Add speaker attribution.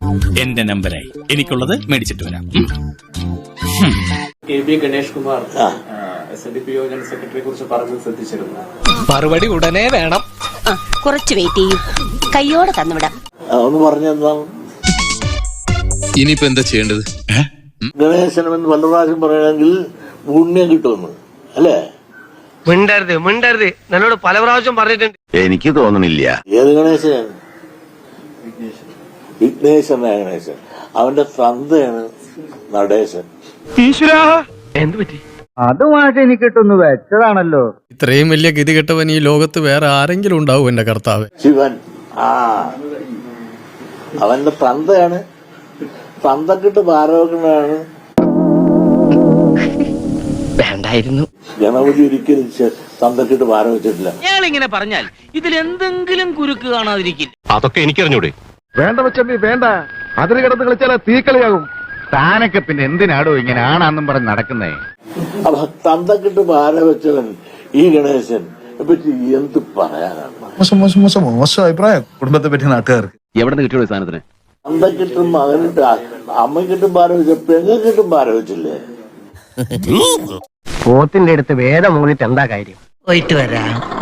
Speaker 1: എന്റെ നമ്പരായി എനിക്കുള്ളത് മേടിച്ചിട്ട് വരാം.
Speaker 2: K B Ganesh Kumar SNDP general സെക്രട്ടറിയെ കുറിച്ച് പറഞ്ഞത് ശ്രദ്ധിച്ചിരുന്നു.
Speaker 3: മറുപടി ഉടനെ വേണം.
Speaker 4: കുറച്ച് വെയിറ്റ് ചെയ്യും, കയ്യോടെ തന്നുവിടാം.
Speaker 5: ഒന്ന് പറഞ്ഞെന്താണ്
Speaker 6: ഇനിയിപ്പോ എന്താ ചെയ്യേണ്ടത്?
Speaker 5: ഗണേശനെന്ന് പല പ്രാവശ്യം പറയണമെങ്കിൽ പുണ്യം കിട്ടുമെന്ന് അല്ലേ?
Speaker 3: മിണ്ടരുത് എന്നോട് പല പ്രാവശ്യം പറഞ്ഞിട്ടുണ്ട്.
Speaker 7: എനിക്ക് തോന്നണില്ല.
Speaker 5: ഏത് ഗണേശനാണ്? വിഘ്നേശ്വരനായ ഗണേശൻ. അവന്റെ തന്തയാണ് നടേശൻ.
Speaker 3: എന്ത് പറ്റി?
Speaker 8: അതുമായിട്ട് എനിക്ക് കിട്ടുന്നു വെച്ചതാണല്ലോ.
Speaker 9: ഇത്രയും വലിയ ഗതികെട്ടവൻ ഈ ലോകത്ത് വേറെ ആരെങ്കിലും ഉണ്ടാവും എന്റെ കർത്താവ്?
Speaker 5: ശിവൻ. അവന്റെ തന്തയാണ്. തന്തക്കിട്ട് ഭാരവകനാണ്.
Speaker 3: വേണ്ടായിരുന്നു.
Speaker 5: ഗണപതി ഒരിക്കലും തന്തക്കിട്ട് ഭാരം വെച്ചിട്ടില്ല.
Speaker 3: ഇയാളിങ്ങനെ പറഞ്ഞാൽ ഇതിൽ എന്തെങ്കിലും കുരുക്ക് കാണാതിരിക്കില്ല.
Speaker 7: അതൊക്കെ എനിക്കറിഞ്ഞൂടെ?
Speaker 8: വേണ്ട വെച്ചമ്മി വേണ്ട. അതിന് കിടന്ന് കളിച്ചാൽ തീക്കളിയാകും. താനൊക്കെ പിന്നെ എന്തിനാടോ ഇങ്ങനെ ആണാന്നും പറഞ്ഞ് നടക്കുന്നേ?
Speaker 5: അപ്പൊ തന്തക്കിട്ട് ഭാരം വെച്ചവൻ ഈ ഗണേശൻ പറ്റി എന്ത് പറയാനാണ്?
Speaker 10: മോശം അഭിപ്രായം കുടുംബത്തെ പറ്റി നാട്ടുകാർക്ക്.
Speaker 7: എവിടെ നിന്ന് കിട്ടിയോ സാധനത്തിന്?
Speaker 5: തന്തക്കിട്ടും മകനിട്ട് അമ്മക്കിട്ടും ഭാരം വെച്ച പെങ്ങക്കിട്ടും ഭാരം വെച്ചില്ലേ?
Speaker 3: പോത്തിന്റെ അടുത്ത് വേദം മൂന്നിട്ട് എന്താ കാര്യം?
Speaker 8: പോയിട്ട് വരാം.